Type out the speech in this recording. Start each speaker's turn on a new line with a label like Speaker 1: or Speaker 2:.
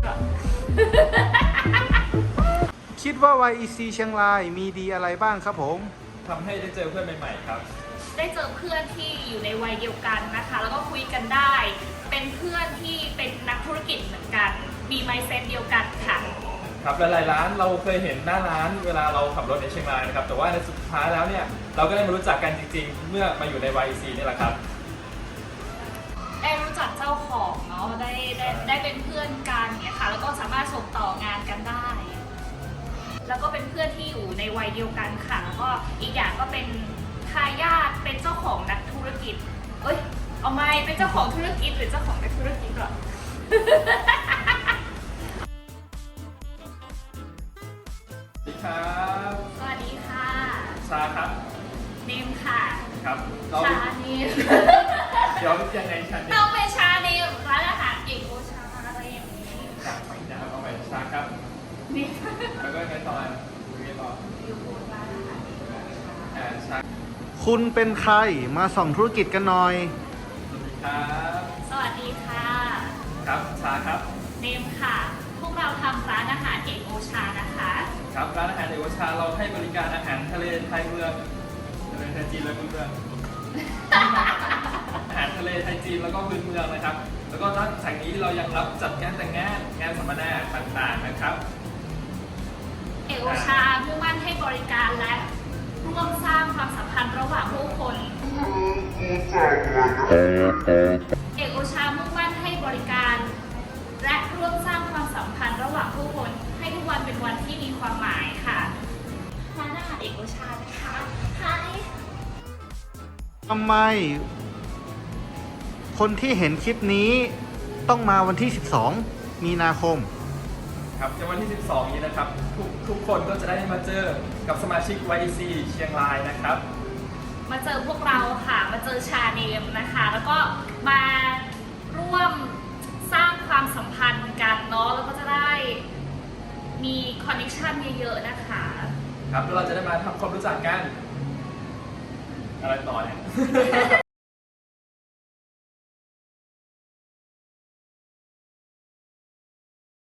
Speaker 1: คิดว่า YEC เชียงรายมีดีอะไรบ้างครับผม
Speaker 2: ทำให้ได้เจอเพื่อนใหม่ๆครับ
Speaker 3: ได้เจอเพื่อนที่อยู่ในวัยเดียวกันนะคะแล้วก็คุยกันได้ เป็นเพื่อนที่เป็นนักธุรกิจเหมือนกันมี mindset เดียวกันค่ะ
Speaker 2: ครับหลายๆร้านเราเคยเห็นหน้าร้านเวลาเราขับรถในเชียงรายนะครับแต่ว่าในสุดท้ายแล้วเนี่ยเราก็ได้มารู้จักกันจริงๆเมื่อมาอยู่ใน YEC นี่แหละครับ
Speaker 3: ได้รู้จักเจ้าของเนาะได้เป็นเพื่อนกันเนี่ยค่ะแล้วก็สามารถส่งต่องานกันได้แล้วก็เป็นเพื่อนที่อยู่ในวัยเดียวกันค่ะแล้วก็อีกอย่างก็เป็นทายาทเป็นเจ้าของนักธุรกิจเอาไม่เป็นเจ้าของธุรกิจหรือเจ้าของนักธุรกิจหรอ
Speaker 2: สวัสดีครับ
Speaker 3: สวัสดีค่ะ
Speaker 2: ชาครับ
Speaker 3: เนมค่ะ
Speaker 2: ครับ
Speaker 3: ชาเนม
Speaker 2: เดี๋ยวยังไงชาเนม
Speaker 3: ต้องเป็นชาเนมร้านอาหารเอกโอชาอะไรอย่างนี้
Speaker 2: จากไปนะครับเอาไปชาครับ
Speaker 3: นี่
Speaker 2: แล้วก็ไงต่อ
Speaker 3: อยู่บนร้านอาหารเอกโอชา
Speaker 1: คุณเป็นใครมาส่องธุรกิจกันหน่อย
Speaker 2: สวัสดีครับ
Speaker 3: สวัสดีค่ะ
Speaker 2: ครับชาครับ
Speaker 3: เนมค่ะพวกเราทำร้านอาหารเอกโอชานะคะ
Speaker 2: ครับร้านอาหารเอกโอชาเราให้บริการอาหารทะเลไทยเมืองทะเลไทยจีนและพื้นเมือง อาหารทะเลไทยจีนแล้วก็พื้นเมืองนะครับแล้วก็นอกจากนี้เรายังรับจัดงานแต่งงานสัมมนาต่างๆนะครับ
Speaker 3: เอกโอชามุ่งมั่นให้บริการและร่วมสร้างความสัมพันธ์ระหว่างผู้คนเอกโอชามุ่งมั่นให้บริการและร่วมสร้างความสัมพันธ์ระหว่างผู้คนให้ทุกวันเป็นวันที่มีความหมายค่ะร้านอาหารเอกโอชานะคะ
Speaker 1: ทำไมคนที่เห็นคลิปนี้ต้องมาวันที่ 12 มีนาคม
Speaker 2: ครับในวันที่ 12 นี้นะครับทุกคนก็จะได้มาเจอกับสมาชิก YEC เชียงรายนะครับ
Speaker 3: มาเจอพวกเราค่ะมาเจอชาเนมนะคะแล้วก็มาร่วมสร้างความสัมพันธ์กันเนาะแล้วก็จะได้มีคอนเนคชั่นเยอะๆนะคะ
Speaker 2: ครับแล้วเราจะได้มาทำความรู้จักกันอะไรต่อเนี่ย